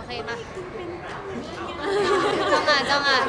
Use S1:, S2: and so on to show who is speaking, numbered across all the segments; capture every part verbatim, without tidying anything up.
S1: เคมาจ้องอ่านจ้องอ่าน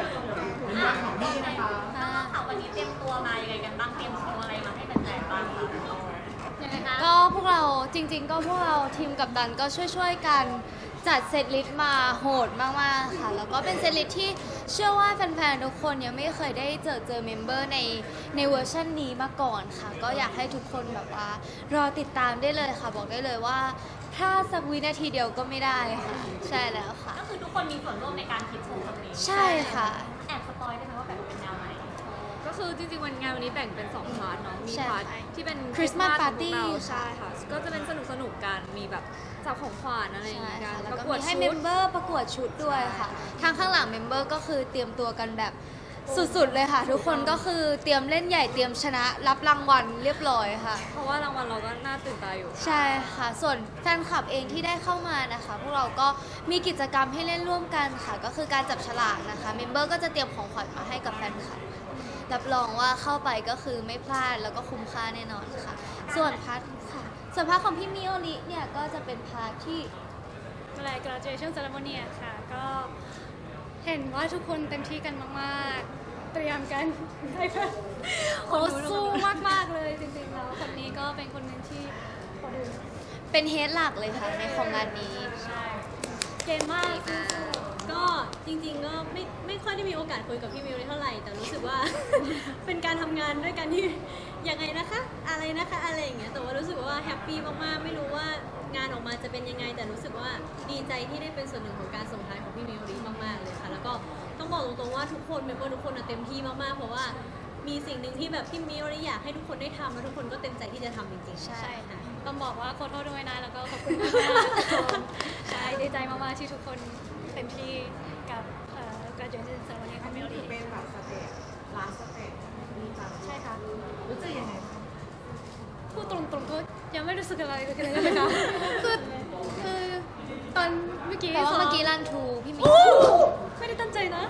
S2: ค่ะวันนี้เตรียมตัวมายังไงกันบ้างเตรียมโชว์อะไรมาให้แฟนๆบ้างคะยังไงคะ
S1: ก็พวกเราจริงๆ ก็พวกเราทีมกัปตันก็ช่วยๆกันจัดเซตลิสต์มาโหดมากๆค่ะแล้วก็เป็นเซตลิสต์ที่เชื่อว่าแฟนๆทุกคนยังไม่เคยได้เจอเจอเมมเบอร์ในในเวอร์ชันนี้มาก่อนค่ะก็อยากให้ทุกคนแบบว่ารอติดตามได้เลยค่ะบอกได้เลยว่าพลาดสักวินาทีเดียวก็ไม่ได้ค่ะใช่แล้วค่ะ
S2: ก็คือทุกคนมีส่วนร่วมในการคิดโชว์ครั้งนี้
S1: ใช่ค่ะ
S2: แอบสปอยได้ไหมว่าแบบเป็นแนวไหน
S3: ก็คือจริงๆวันงานวันนี้แบ่งเป็นสองพาร์ทเนาะ มี
S1: ใช่
S3: พาร์ทที่เป็น
S1: Christmas
S3: Christmas
S1: Party
S3: ของพวกเรา
S1: ค่ะ
S3: ใช่ค่ะ ก็จะเป็นสนุกสนุกๆกัน มีแบบจับของขวัญอะไรอย่าง
S1: ใช่
S3: เงี้ย
S1: ค่ะ
S3: กัน
S1: แล้ว
S3: ประ
S1: ก็
S3: กวด
S1: มีให้
S3: ชุ
S1: เม
S3: ด
S1: มเบอร์ประกวดชุดด้วยค่ะ ทางข้างหลังเมมเบอร์ก็คือเตรียมตัวกันแบบสุดๆเลยค่ะ ทุกคนก็คือเตรียมเล่นใหญ่เตรียมชนะรับรางวัลเรียบร้อยค่ะ
S3: เพราะว่ารางวัลเราก็น่าตื่นตาอยู่
S1: ใช่ค่ะ ส่วนแฟนคลับเองที่ได้เข้ามานะคะ พวกเราก็มีกิจกรรมให้เล่นร่วมกันค่ะ ก็คือการจับฉลากนะคะ เมมเบอร์ก็จะเตรียมของขวัญมาให้กับแฟนคลับรับรองว่าเข้าไปก็คือไม่พลาดแล้วก็คุ้มค่าแน่นอนค่ะ ส่วนพาร์ทค่ะ ส่วนพาร์ทของพี่มิโอริเนี่ยก็จะเป็นพาร์ทที่
S4: อะไร graduation ceremony อะค่ะ ก็เห็นว่าทุกคนเต็มที่กันมากๆ เตรียมกันให้เพื่อนโอ้สู้มากๆเลยจริงๆแล้วคนนี้ก็เป็นคนหนึ่งที่พอดู
S1: เป็นเฮดหลักเลยค่ะในของงานนี้
S4: เก่งมาก
S5: ก็จริงๆก็ไม่ไม่ค่อยได้มีโอกาสคุยกับพี่มิวเท่าไหร่แต่รู้สึกว่า เป็นการทำงานด้วยกันที่ยังไงนะคะ อะไรนะคะอะไรอย่างเงี้ยแต่ว่ารู้สึกว่าแฮปปี้มากๆไม่รู้ว่างานออกมาจะเป็นยังไง แต่รู้สึกว่าดีใจที่ได้เป็นส่วนหนึ่งของการส่งท้ายของพี่มิวรีมากๆเลยค่ะแล้วก็ต้องบอกตรงๆว่าทุกคนเมมเบอร์ทุกคนอะเต็มที่มากๆเพราะว่ามีสิ่งหนึ่งที่แบบพี่มิวรีอยากให้ทุกคนได้ทำแล้วทุกคนก็เต็มใจที่จะทำจริงๆ
S1: ใช่
S5: ใช่ค่ะ
S4: ต้องบอกว่าขอโทษด้วยนะแล้วก็ขอบคุณมากๆใช่ดีใจมากๆที่ทุกคนเต็มที่กับเอ่อ graduation ceremony ของเมล
S6: ถื
S4: ลี่
S6: อเป็นแบบสเตจลาสสเตจดีจัง
S4: ใช่ค่ะ
S6: รู้สึกยังไงบ้าง
S4: พูดตรงๆก็ยังไม่รู้สึกอะไรเลยนะคะคือคือตอนเมื่อกี้
S1: แต่ว่า
S4: ซ้
S1: เมื่อกี้รันทูพี่มิ
S4: โอ้ไม่ได้ตั้งใจนะ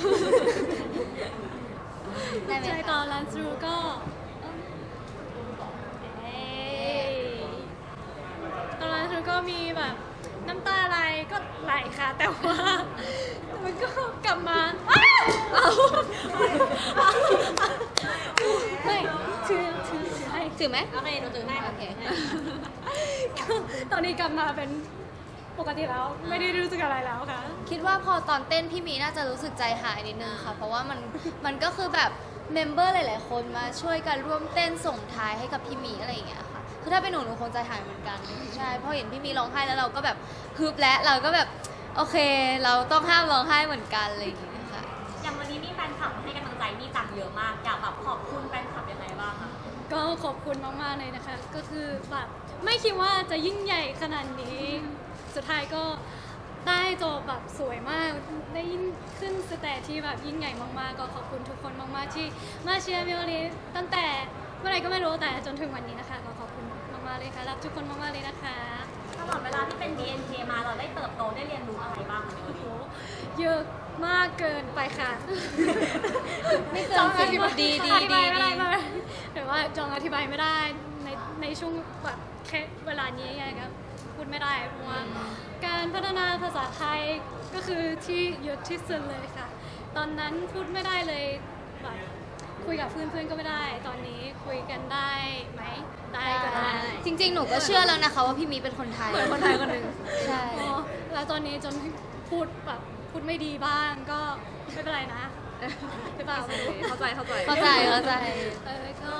S1: ได้ไหม
S4: ใช่ต
S1: คะ
S4: อนรันทรูก็เอ้ยตอนรันทรูก็มีแบบน้ำตาอะไรก็ไหลค่ะ แต่ว่ามันก็กลับมาอ้าวเอาไม่ถือถือถือให้
S1: ถือไหม
S5: โอเคหนูถือให้
S1: โอเค
S4: ก็ตอนนี้กลับมาเป็นปกติแล้วไม่ได้รู้สึกอะไรแล้วค่ะ
S1: คิดว่าพอตอนเต้นพี่มีน่าจะรู้สึกใจหายนิดนึงค่ะ เพราะว่ามันมันก็คือแบบเมมเบอร์หลาย ๆ คนมาช่วยกันร่วมเต้นส่งท้ายให้กับพี่มีอะไรอย่างเงี้ยค่ะ คือถ้าเป็นหนูหนูคงใจหายเหมือนกัน ใช่พอเห็นพี่มีร้องไห้แล้วเราก็แบบฮึบและเราก็แบบโอเค เราต้องห้ามร้องไห้เหมือนกันอะไรอย่างเงี้ยค่ะ
S2: อย่างวันนี้มีแฟนคลับมาให้กำลังใจนี่จังเยอะมากอยากแบบขอบคุณแฟนคลับยังไงบ้างคะ
S4: ก็ขอบคุณมากๆเลยนะคะ ก็คือแบบไม่คิดว่าจะยิ่งใหญ่ขนาดนี้ สุดท้ายก็ได้จบแบบสวยมาก ได้ยิ่งขึ้นสเตจที่แบบยิ่งใหญ่มากๆ ก็ขอบคุณทุกคนมากๆที่มาเชียร์มิโอริตั้งแต่เมื่อไหร่ก็ไม่รู้แต่จนถึงวันนี้นะคะ ก็ขอบคุณมากๆเลยค่ะรักทุกคนมากๆเลยนะคะ
S2: ตลอดเวลาที่เป็น บี เอ็น เค มาเราได้เติบโตได้เรียนรู้อะไรบ้างคะในวันนี้
S4: เยอะมากเกินไปค่ะ
S1: ไม่เกินสิบดีดี
S4: อธิ
S1: ดี
S4: บายไม่ได้
S1: ดี
S4: เลยหรือว่าจองอธิบายไม่ได้ในในช่วงแบบแค่เวลานี้ไงครับพูดไม่ได้เพราะว่าการพัฒนาภาษาไทยก็คือที่เยอะที่สุดเลยค่ะ ตอนนั้นพูดไม่ได้เลยแบบคุยกับเพื่อนๆก็ไม่ได้ ตอนนี้คุยกันได้ไหมได้ก็ได้
S1: จริง ๆ หนูก็เชื่อแล้วนะคะว่าพี่มีเป็นคนไทย
S4: เหมือนคนไทยคนหนึ่ง
S1: ใช่
S4: อ๋อแล้วตอนนี้จนพูดแบบพูดไม่ดีบ้างก็ไม่เป็นไรนะหรือเปล่า
S3: เข้าใจเข้าใจ
S1: เข้าใจเข้าใจ
S4: เออก็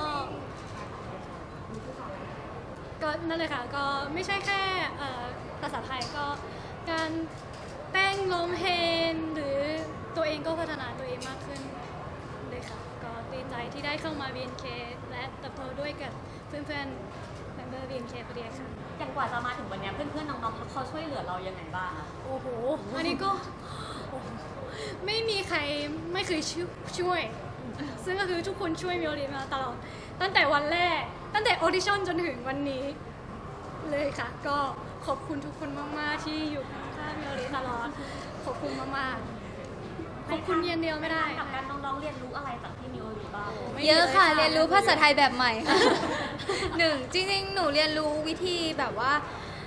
S4: ก็นั่นเลยค่ะ ก็ไม่ใช่แค่เอ่อภาษาไทยก็การเต้นร้องเพลงหรือตัวเองก็พัฒนาตัวเองมากขึ้นเลยค่ะ ก็ดีใจที่ได้เข้ามา บี เอ็น เค และเติบโตด้วยกับเพื่อนๆ member บี เอ็น เค พอดีค่ะ
S2: อย่างกว่าจะมาถึงวันนี้เพื่อนๆน้องๆเขาช่วยเหลือเรายังไงบ้างคะ
S4: โอ้โห อันนี้ก็โอ้โหไม่มีใครไม่เคยช่วยช่วย ซึ่งก็คือทุกคนช่วยมิโอริมาตลอด ตั้งแต่วันแรก ตั้งแต่ออดิชั่นจนถึงวันนี้เลยค่ะ ก็ขอบคุณทุกคนมากๆที่อยู่ข้างๆมิโอริตลอด ขอบคุณมากๆ ขอบคุณเย็นเดียวไม่ได้
S2: กับการน้องๆเรียนรู้อะไรจากที่มิโอริบ้าง
S1: เยอะค่ะ เรียนรู้ภาษาไทยแบบใหม่ค่ะ หนึ่งจริงๆ หนูเรียนรู้วิธีแบบว่า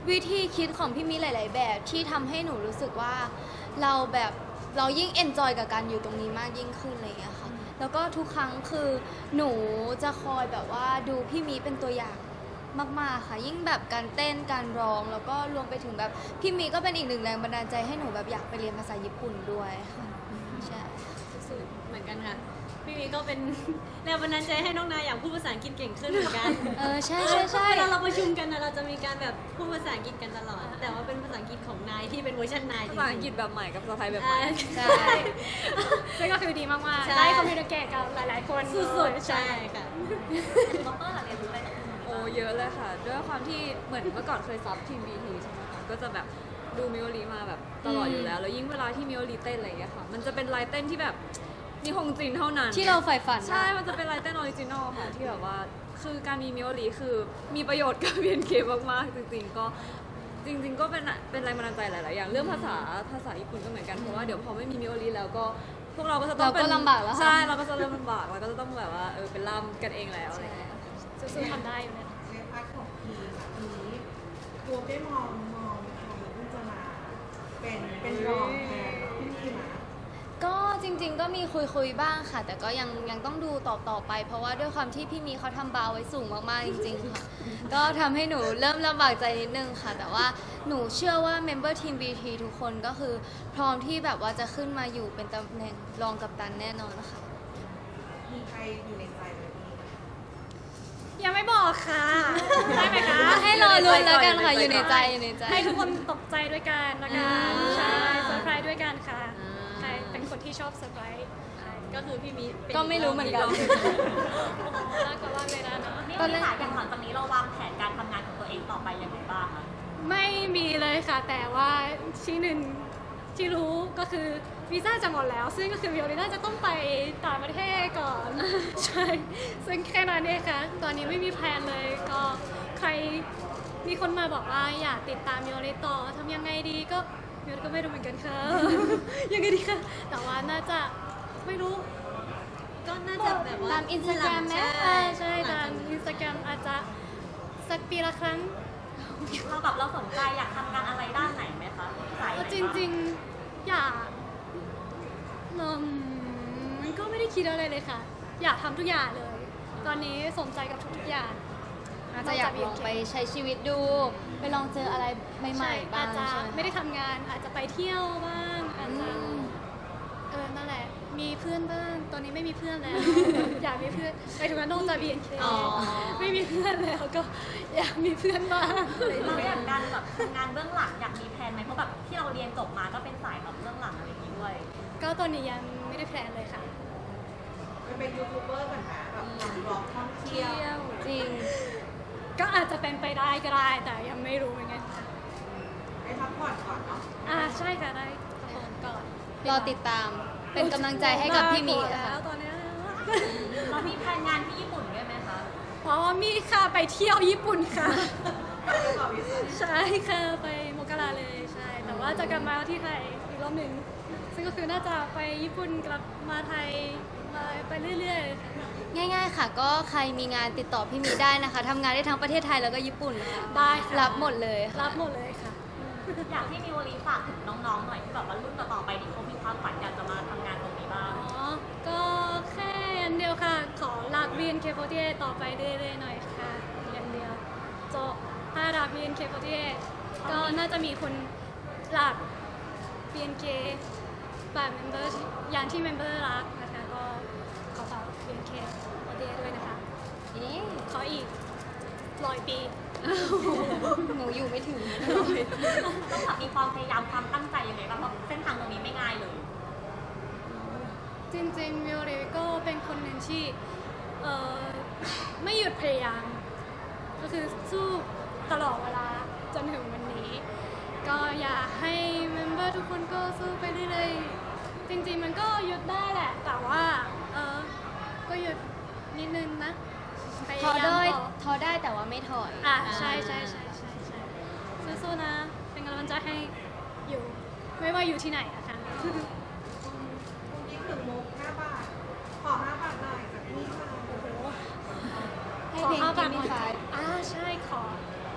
S1: วิธีคิดของพี่มีหลาย ๆ แบบที่ทำให้หนูรู้สึกว่าเราแบบเรายิ่งเอนจอยกับการอยู่ตรงนี้มากยิ่งขึ้นอะไรอย่างเงี้ยค่ะแล้วก็ทุกครั้งคือหนูจะคอยแบบว่าดูพี่มีเป็นตัวอย่างมาก ๆ ค่ะ ยิ่งแบบการเต้นการร้องแล้วก็รวมไปถึงแบบพี่มีก็เป็นอีกหนึ่งแรงบันดาลใจให้หนูแบบอยากไปเรียนภาษาญี่ปุ่นด้วยค่ะใช่
S5: สุดๆเหมือนกันค่ะ พี่มีก็เป็น แรงบันดาลใจให้น้องนายอยากพูดภาษาอังกฤษเก่งขึ้นเหมือนกัน
S1: เออใช่ใช่ใช่
S5: เวลาเราประชุมกันนะเราจะมีการแบบพูดภาษาอังกฤษกันตลอด แต่ว่าเป็นภาษาอังกฤษของนายที่เป็นเวอร์ชันนายจริ
S3: ภาง ษาอังกฤษแบบใหม่กับภาษาไทยแบบให
S5: อ่า
S3: ม่
S1: ใช่
S4: ซึ่งก็คือดีมาก
S5: ใช่
S4: ๆ ได้คอมมิวนิเคชกับหลาย ๆ คน
S5: สุดๆใช่ค่ะ
S2: ด็อกเตอร์ล่ะเรียนรู้อะไรจากคุณ
S3: โอ้เยอะเลยค่ะ ด้วยความที่เหมือนเมื่อก่อนเคยซับทีมบีทีใช่ไหมคะก็จะแบบดูมิโอรีมาแบบตลอดอยู่แล้ว แล้วยิ่งเวลาที่มิโอรีเต้นอะไรอย่างเงี้ยค่ะ มันจะเป็นลายเต้นที่แบบนิฮงจินเท่านั้น
S1: ที่เราใฝ่ฝันอะ
S3: ใช่ มันจะเป็นลายเต้นออริจินอลค่ะ ที่แบบว่าคือการมีมิโอรีคือมีประโยชน์กับ บี เอ็น เค มากๆ จริงๆก็จริง ๆ ก็เป็นเป็นแรงบันดาลใจหลายๆอย่างเรื่องภาษาภาษาญี่ปุ่นก็เหมือนกันเพราะว่าเดี๋ยวพอไม่มีมิโอรีแล้วก็พวกเราก็จะต้อง
S1: เราก็
S3: เป็น
S1: ลำบากแล้วค่ะ
S3: ใช่เราก็จะเริ่มลำบากแล้วก็จะต้องแบบว่าเออเป็นล่ามกันเองแล้วอะไรอย่างเงี้ย
S4: สู้ๆทำได้อยู่เนี่ย
S6: ในพาร์ทของทีมอะทีนี้ตัวได้มองมองใครที่จะมาเป็นเป็นรองแทนพี่มีมา
S1: ก็จริง ๆ ก็มีคุยคุยๆบ้างค่ะ แต่ก็ยังยังต้องดูต่อต่อไป เพราะว่าด้วยความที่พี่มีเขาทำบาร์ไว้สูงมากๆจริง ๆ ค่ะ ก็ทำให้หนูเริ่มลำบากใจนิดนึงค่ะ แต่ว่าหนูเชื่อว่าเมมเบอร์ทีม บี ที ทุกคนก็คือพร้อมที่แบบว่าจะขึ้นมาอยู่เป็นตำแหน่งรองกัปตันแน่นอนค่ะ
S6: มีใครอยู่ในใจไหมพี่
S4: ยังไม่บอกค่ะ ได้ไหมคะ
S1: ให้รอลุ้นแล้วกันค่ะอยู่ในใจอยู่ในใจ
S4: ให้ทุกคนตกใจด้วยกันละกัน
S1: อ่า
S4: ใช่เซอร์ไพรส์ด้วยกันค่ะ
S3: อ่า
S4: ใครเป็นคนที่ชอบเซอร์ไพรส์
S5: ก็คือพี่มีเป็น
S1: ก็ไม่รู้เหมือนกัน
S4: น่ากลัวมากเลยนะเนาะ
S2: นี่
S1: ตอนแร
S2: พี่
S1: ก
S2: ค่ะอย่างหลังจากนี้เราวางแผนการทำงานของตัวเองต่อไปยังไงบ้างคะ
S4: ไม่มีเลยค่ะ แต่ว่าที่หนึ่งที่รู้ก็คือวีซ่าจะหมดแล้ว ซึ่งก็คือวิโอลิน่าจะต้องไปต่างประเทศก่อน ใช่ ซึ่งแค่นั้นเองค่ะ ตอนนี้ไม่มีแพลนเลย ก็ใครมีคนมาบอกว่าอยากติดตามวิโอลิต่อทำยังไงดีก็วิโอลิก็ไม่รู้เหมือนกันค่ะ ยังไงดีคะแต่ว่าน่าจะไม่รู้
S5: ก็น่าจะแบบว่า
S1: ตาม Instagram ไหม
S4: ใช่ใช่ตามอินสตาแกรมอาจจะสักปีละครั้ง
S2: เราแบบเราสนใจอยากทำงานอะไรด้านไหนไหมคะสายไหน
S4: เอา
S2: บ้าง
S4: จริงๆ อยากอืมมันก็ไม่ได้คิดอะไรเลยค่ะ อยากทำทุกอย่างเลย ตอนนี้สนใจกับทุกๆอย่าง
S1: อาจจะอยากลองไปใช้ชีวิตดู ไปลองเจออะไรใหม่ๆบ้าง
S4: อาจจะ
S1: ใช่ไหม
S4: ไม่ได้ทำงาน อาจจะไปเที่ยวบ้าง อาจ
S1: อื
S4: จะ
S1: ม
S4: เออ นั่นแหละ มีเพื่อนบ้าง ตอนนี้ไม่มีเพื่อนแล้ว อยากมีเพื่อนไปถึงนั้นต้องจะ บี เอ็น เค
S1: อ๋อ
S4: ไม่มีเพื่อนแล้วก็อยากมีเพื่อนบ้างอะไรอย่าง
S2: เรา
S4: เงี้
S2: อย ยากการแบบทำงานเบื้องหลังอยากมีแผนไหมเพราะแบบที่เราเรียนจบมาก็เป็นสายแบบเบื้องหลังอะไรอย่างนี้ด้วย
S4: ก็ตอนนี้ยังไม่ได้แพลนเลยค่ะ
S6: ไปเป็นยูทูบเบอร์กันนะแบบทำบล็อกท่องเที่ยว
S1: จริง
S4: ก็อาจจะเป็นไปได้ก็ได้ แต่ยังไม่รู้เหมือนกันค่ะ
S6: ให้พักผ่อนก่อนเนาะ
S4: อ่าใช่ค่ะได้ทุกคนก่อน
S1: รอติดตามเป็นกำลังใจให้กับพี่มี
S4: แล้
S1: ค่ะ
S4: วตอนเนี้ย
S2: เรามีแผนงานที่ญี่ปุ่นด้วยไหมคะ
S4: อ๋อมีค่ะไปเที่ยวญี่ปุ่นค่ะ
S6: ไปต่อวิซ่า
S4: ใช่ค่ะไปโมกราเลยใช่ แต่ว่าจะกลับมาที่ไทยอีกรอบหนึ่งซึ่งก็คือน่าจะไปญี่ปุ่นกลับมาไทยมาไปเรื่อยๆค่ะ
S1: ง่ายๆค่ะ ก็ใครมีงานติดต่อพี่มีได้นะคะทำงานได้ทั้งประเทศไทยแล้วก็ญี่ปุ่นค่ะ
S4: ได้ค่ะ
S1: รับหมดเลยค่ะ
S4: รับหมดเลยค่ะ
S2: อยากให้มีวลีฝากถึงน้องๆหน่อยที่แบบว่ารุ่นต่อๆไปที่เขามีความฝันอยากจะมาทำงานตรงนี้บ้าง
S4: อ๋อ ก็แค่อันเดียวค่ะ ขอรัก บี เอ็น เค โฟร์ตี้เอท ต่อไปเรื่อยๆหน่อยค่ะอย่างเดียวจบถ้ารัก บี เอ็น เค โฟร์ตี้เอท ก็น่าจะมีคนรัก บี เอ็น เค แบบเมมเบอร์อย่างที่เมมเบอร์รักนะคะ ก็ขอฝาก บี เอ็น เค โฟร์ตี้เอท ด้วยนะคะ
S1: เอ๊ะ
S4: ขออีกร้อยปี
S1: หนูอยู่ไม่ถึง
S2: ต้องแบบมีความพยายามความตั้งใจยังไงบ้างเพราะเส้นทางตรงนี้ไม่ง่ายเลย
S4: จริงๆมิโอริก็เป็นคนหนึ่งที่เอ่อไม่หยุดพยายาม ก็คือสู้ตลอดเวลาจนถึงวันนี้ ก็อยากให้เมมเบอร์ทุกคนก็สู้ไปเรื่อยๆจริงๆมันก็หยุดได้แหละ แต่ว่าเออก็หยุดนิดนึงนะพ
S1: ท้อย
S4: ายาม
S1: ได้
S4: ต่อ
S1: ท้อได้แต่ว่าไม่ถอย
S4: อ่ะใช่ใช่ใช่ใช่ใช่สู้ๆนะ เป็นกำลังใจให้อยู่ ไม่ว่าอยู่ที่ไหนนะคะ
S6: คุณยิ่งถึงมุกห้าบาท ขอห้าบาทหน่อยจากพี่ค่ะ
S1: ให้
S4: ขอ
S1: เพลง
S4: ห้า
S1: กิ
S4: บาท
S1: น
S4: หน่อย
S1: ไฟ
S4: อ่าใช่ขอ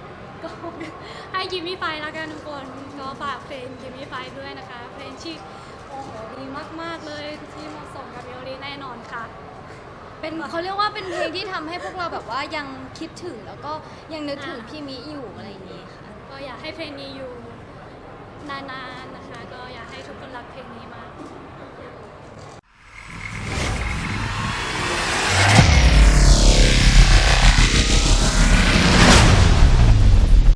S4: ก็ให้กิมมี่ไฟแล้วกันทุกคนก็ฝากเพลงกิมมี่ไฟด้วยนะคะ เพลงที่โอ้โหดีมากๆเลยที่เหมาะสมกับมิโอริแน่นอนค่ะ
S1: เป็นเขาเรียกว่าเป็นเพลงที่ทำให้พวกเราแบบว่ายังคิดถึงแล้วก็ยังนึกถึงพี่มิอยู่อะไรอย่างนี้ค่ะ
S4: ก็อยากให้เพลงนี้อยู่นานๆนะคะ ก็อยากให้ทุกคนรักเพลงนี้มาก
S2: อ